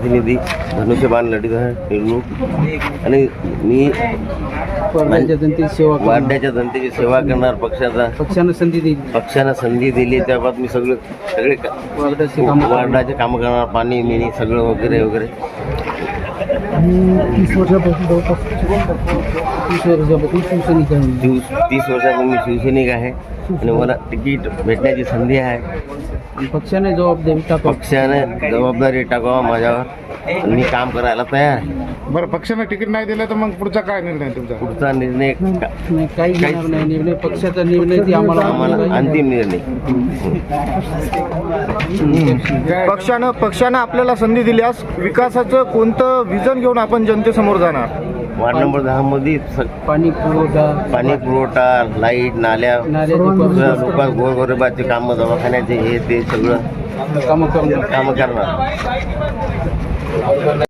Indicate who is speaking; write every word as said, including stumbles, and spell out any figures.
Speaker 1: प्रतिनिधी धनुष्यबाण लढीत आहे निवडणूक आणि मी
Speaker 2: वार्डाच्या जनतेची सेवा करणार.
Speaker 1: वार्डाच्या जनतेची सेवा करणार. पक्षाचा
Speaker 2: पक्षानं संधी दिली
Speaker 1: पक्षानं संधी दिली त्याबाबत मी सगळे सगळे का-
Speaker 2: वार्डाचे काम
Speaker 1: वार्डाचे कामं करणार. पाणी मिणी सगळं वगैरे वगैरे.
Speaker 2: तीस वर्षापासून जवळपास तीस वर्षापासून शिवसैनिक आहे.
Speaker 1: दिवस तीस वर्षापासून मी शिवसैनिक आहे आणि मला तिकीट भेटण्याची संधी आहे.
Speaker 2: पक्षाने जबाबदारी टाकावं.
Speaker 1: पक्षाने जबाबदारी टाकावा माझ्यावर. मी काम करायला तयार आहे.
Speaker 3: बरं, पक्षाने तिकीट नाही दिलं तर मग पुढचा काय निर्णय तुमचा?
Speaker 1: पुढचा निर्णय का-
Speaker 2: नाही, काही घेणार नाही निर्णय. पक्षाचा निर्णय ती आम्हाला
Speaker 1: आम्हाला अंतिम निर्णय.
Speaker 3: पक्षानं पक्षानं आपल्याला संधी दिल्यास विकासाचं कोणतं विजन घेऊन आपण जनतेसमोर जाणार?
Speaker 1: वार्ड नंबर दहा मध्ये स-
Speaker 2: पाणी पुरवठा
Speaker 1: पाणी पुरवठा, लाईट, नाल्या,
Speaker 2: नाल्याची
Speaker 1: लोक गोरगरिबाचे कामं, दवाखान्याचे हे ते सगळं
Speaker 2: कामं करणं.
Speaker 1: कामं करणार.